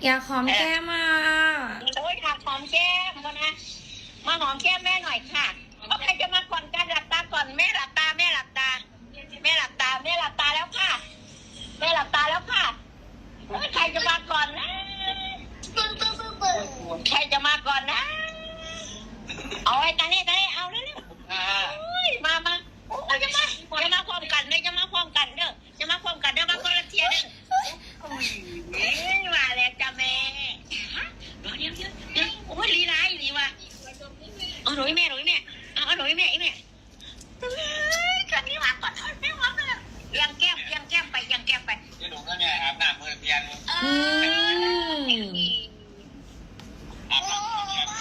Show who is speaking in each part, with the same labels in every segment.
Speaker 1: อยากหอมแก้มอ่ะ
Speaker 2: โอ้ยอยากหอมแก้มก่อนนะมาหอมแก้มแม่หน่อยค่ะเอาใครจะมาก่อนกันหลับตาก่อนแม่หลับตาแม่หลับตาแม่หลับตาแม่หลับตาแล้วค่ะแม่หลับตาแล้วค่ะใครจะมาก่อนนะใครจะมาก่อนนะเอาไอ้ตาเนี่ยเอาเร็วๆมาโอ้ยจะมาพร้อมกันเลยจะมาพร้อมกันเด้อจะมาพร้อมกันเด้อมาคนละเทียเด้อมาแล้วจ้าแม่เดี๋ยวโอ้ยลีลาอีนี่ว่ะเอาหนูแม่เอาหนูแม่กันนี้มาก่อนแม่หอมเลยยังแก้มไป
Speaker 3: ที่หนูก็เนี่ยอาบน้ำมือเพียนอาบน้ำมือเพียน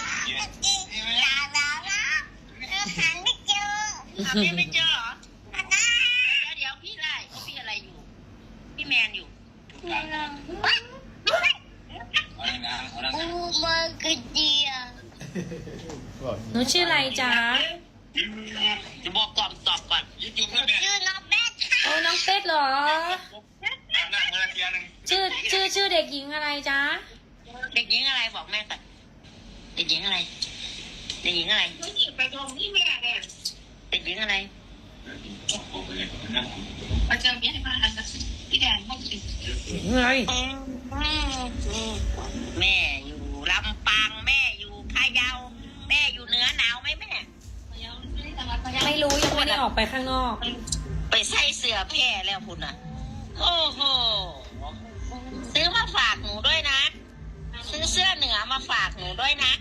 Speaker 2: พี่ไม่เจอเหรอเดี๋ยวพี่อะไรอยู่พี่แมนอยู่
Speaker 1: หนูชื่ออะไรจ๊ะ
Speaker 3: จะบอกก่อนตอบก่อนยืดจุ่มแล้วเนี่ย
Speaker 2: ชื่อน้องแม่ค่ะ
Speaker 1: โอ้น้องเป็ดเหรอ
Speaker 3: อาบน้ำมือเพียนหนึ่ง
Speaker 1: ชื่อเด็กหญิงอะไรจ๊ะ
Speaker 2: เด็กหญิงอะไรบอกแม่ก่อนเด็กหญิงอะไรไปตรงที่แม่เนี่ยเด็กหญิงอะไรมาเจอแม่มาพี่แดนห้องสิ
Speaker 1: ไง
Speaker 2: แม่อยู่ลำปางแม่อยู่พะเยาแม่อยู่เหนือหนาวไหมแม่
Speaker 1: ไม่รู้ยังไม่ได้ออกไปข้างนอก
Speaker 2: ไปใส่เสื้อแพร่แล้วคุณอ่ะโอ้โหซื้อมาฝากหนูด้วยนะซื้อเสื้อเหนือมาฝากหนูด้วยนะ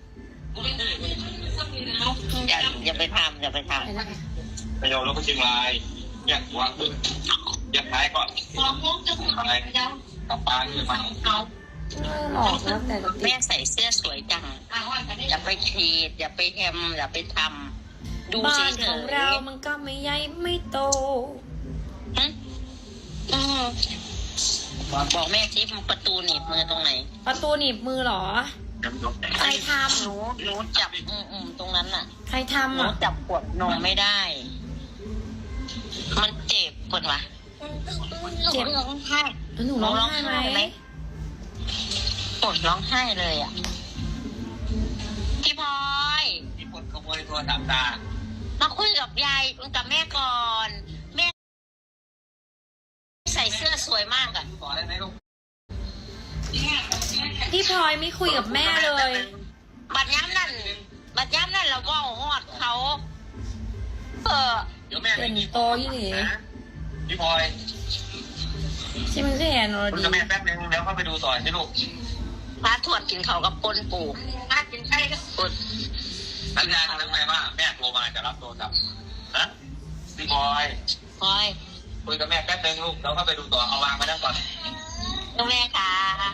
Speaker 2: อย่าไปทำ
Speaker 3: ไปโยนแล้วก็เชียงรายแยกหัวขึ้นแยกท้ายก่อนอะไรกับปลาที่มัน
Speaker 1: หลอกแล้วแต่
Speaker 2: แม่ใส่เสื้อสวยจังอย่าไปขีดอย่าไปแฮมอย่าไปทำดู
Speaker 1: บ้า
Speaker 2: เฉ
Speaker 1: น
Speaker 2: ย
Speaker 1: ของเรามันก็ไม่ใหญ่ไม่โต
Speaker 2: บอกแม่ที่ประตูหนีบมือตรงไหน
Speaker 1: ประตูหนีบมือเหรอใครทำ
Speaker 2: หนูจับตรงนั้นน่ะ
Speaker 1: ใครทำ
Speaker 2: หนูจับขวดนมไม่ได้มันเจ็บปวดวะ
Speaker 1: เจ็บร้องไห้หนูร้องไห้ไหม
Speaker 2: ปวดร้องไห้เลยอ่ะพี่พลอย
Speaker 3: ที่ปวดขโมยโทรศัพท์ตา
Speaker 2: มาคุยกับยายกับแม่ก่อนแม่ใส่เสื้อสวยมากอ่ะ
Speaker 3: ขอได้ไหมลูก
Speaker 1: พี่พลอยไม่คุยกับแม่เลย
Speaker 2: บัดย้ำนั่นเราก็หอดเขา
Speaker 3: เดี๋ยวแม่
Speaker 1: เป็นโตยี่หนิ
Speaker 3: พี่พลอย
Speaker 1: ที่มันคือแอนอรดี
Speaker 3: คุณกับแม่แป๊บนึงแล้วเข้าไปดูต่อสิลูก
Speaker 2: พระถวดกินเขากับปนปูพระกินไข่กับปน
Speaker 3: สัญญาณทำไมว่าแม่โทรมาจะรับโทรศัพท์นะพี่พลอยคุยกับแม่แป๊บนึงลูกแล้วเข้าไปดูต่อเอาวางมานั่งก่อน
Speaker 2: แม่ค่ะ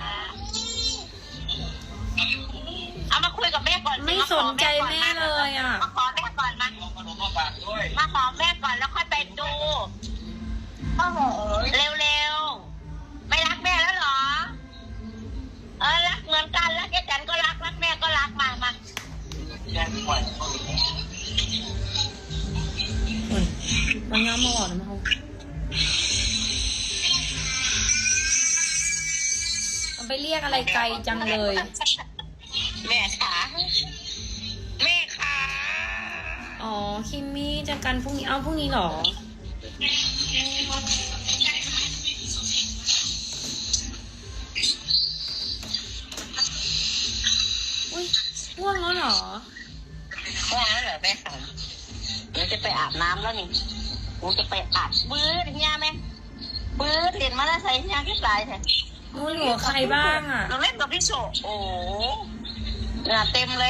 Speaker 2: เอามาคุยกับแม่ก่อน
Speaker 1: ไม่สนใจแม่เลยอ่ะ
Speaker 2: มาขอแม่ก่อนมาขอแม่ก่อนแล้วค่อยไปดูเร็วไม่รักแม่แล้วเหรอรักเหมือนกันรักจันก็รักแม่ก็รักมา
Speaker 3: แย่งปล่อย
Speaker 1: มันย้ำมาหลอดนะมันไปเรียกอะไรไกลจังเลย
Speaker 2: แม่ค่ะ
Speaker 1: อ๋อคิมมี่จะกันพรุ่งนี้พรุ่งนี้เหรออุ้ยง่วงแล้วเหรอ
Speaker 2: แม่ค่ะเดี๋ยวจะไปอาบน้ำแล้วนี่กูจะไปอาบปื๊ดเนี่ยแม่ปื๊ดเรียนมาแล้วใส่เนี่ยที่ปลายแท้
Speaker 1: หนูอยู่กับใครบ้างอ่ะ
Speaker 2: เราเล่นกับพี่โชโอ้เหงื่อเต็มเลย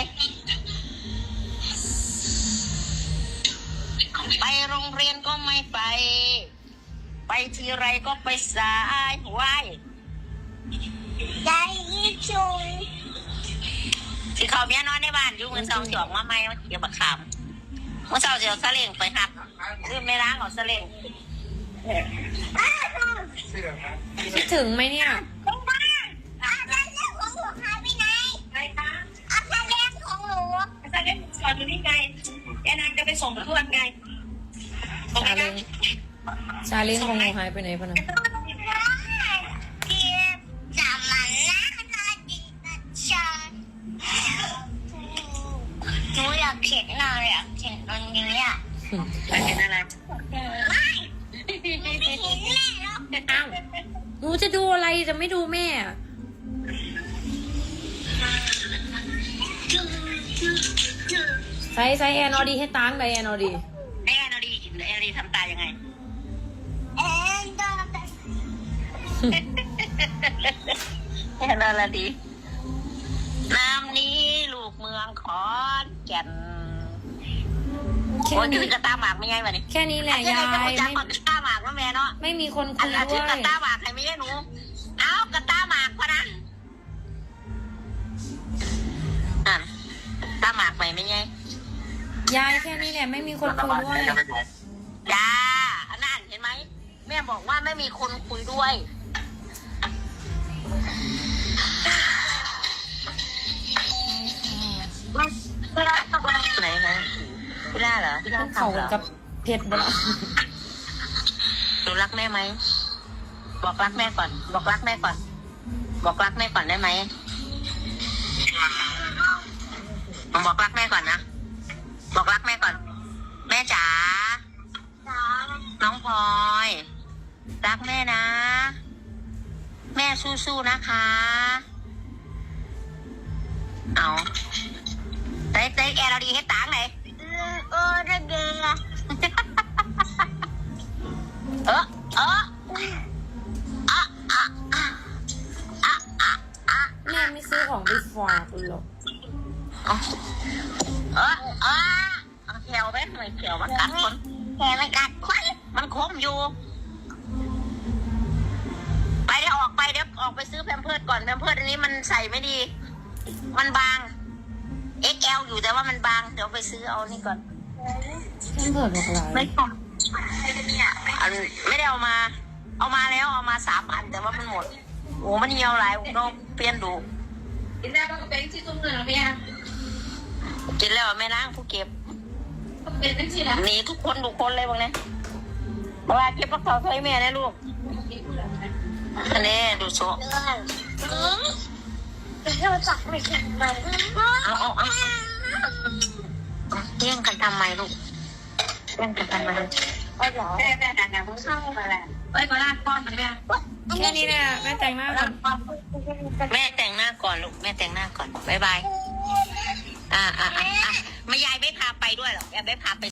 Speaker 2: ไปโรงเรียนก็ไม่ไปทีไรก็ไปสายไหวใจชุยที่เขาเมียนอนในบ้านอยู่มือเสาจอกมาไม่เกี่ยวกับขามมือเสาเจียวสะเล่งไปครับลืมไม่ล้างของสะเล่ง
Speaker 1: คิดถึงไหมเนี่ย
Speaker 2: ก่อนอยู่นี่ไงแกนางจะไปส่งทวดไง
Speaker 1: ซาเล้งของหนูหายไปไหนพะนะ
Speaker 2: จับมันนะเขียนอะไรอ่ะเขียนตรงนี้อ่ะ
Speaker 3: เห็นอะไร
Speaker 2: ไม่เห็นแม่หรอก
Speaker 1: อ้าวหนูจะดูอะไรจะไม่ดูแม่อะใส่แอนอดีให้ตังค์ได้แอนอดี
Speaker 2: แอนอดีทำตายังไงแอนอดีน้ำนี้ลูกเมืองขอนแก่น
Speaker 1: แค่
Speaker 2: โอ้ย
Speaker 1: นี้
Speaker 2: คือกระตาหมากไม่ไงวะนี่
Speaker 1: แค่นี้แหละยาย
Speaker 2: ไม่
Speaker 1: ไม่
Speaker 2: จักกระตาหมากว่าแม่เนาะ
Speaker 1: ไม่มีคน
Speaker 2: อั
Speaker 1: คุ
Speaker 2: น
Speaker 1: ย
Speaker 2: นั้น
Speaker 1: ด้
Speaker 2: ชื่อ
Speaker 1: วย
Speaker 2: กระตาหมากใครไม่ใช่หนูเอากระตาหมากพะนะตาหมากไปไม่ไง
Speaker 1: ยายแค่นี้แหละไม่มีคนคุยด้วย
Speaker 2: จ้าอันนั้นเห็นไหมแม่บอกว่าไม่มีคนคุยด้วยไหนนะพี่ล่าเหรอพี่ล่า
Speaker 1: ต้องเขา
Speaker 2: ทำเหรอ
Speaker 1: กับเพชรบ่ละ
Speaker 2: หนูรักแม่ไหมบอกรักแม่ก่อน บอกรักแม่ก่อน บอกรักแม่ก่อนได้ไหมบอกรักแม่ก่อนนะบอกรักแม่ก่อน แม่จ๋าน้องพลอยรักแม่นะ แม่สู้ๆนะคะ เอาได้แอร์เราดีให้ตังค์ไหนได้เกลือ
Speaker 1: แม่ไม่ซื้อของไปฝากหรอก
Speaker 2: แขวไหมทำไมแขวมันกัดคนแขวมันกัดคนมันคมอยู่ ไปเดี๋ยวออกไปซื้อแพมเพิร์สก่อนแพมเพิร์สอันนี้มันใส่ไม่ดี มันบาง XL อยู่แต่ว่ามันบางเดี๋ยวไปซื้อเอานี่ก่อน
Speaker 1: เพิ่มเผิดบอกหลาย
Speaker 2: ไม่ต้องไม่ได้เอามา เอามาแล้วเอามา3 อันแต่ว่ามันหมดโอ้มันเหี่ยวหลายต้องเปลี่ยนดู
Speaker 4: กินได้ก็เป็นที่ตุ้มเงินแล้วเนี่ย
Speaker 2: กินแล้วแม่ล้างผู้เก็บ
Speaker 4: ก็เป็นทั้งที่ละ
Speaker 2: หนีทุกคนเลยบางเนี่ยเพราะว่าเก็บปักเสาใส่แม่นะลูกอันนี้ดูโซ่เราจับไม่แข็งไปเอาเที่ยงกันทำไมลูกเที่ยงกันทำไม
Speaker 4: แม่ด่ามึงเข้ามาแล้วไปก็ลากป้อนมาแม่
Speaker 1: แค่นี้แหละแม่แต่งหน้าก่อน
Speaker 2: แม่แต่งหน้าก่อนลูกแม่แต่งหน้าก่อนบ๊ายบายไม่ยายไม่พาไปด้วยหรอกยายไม่พาไป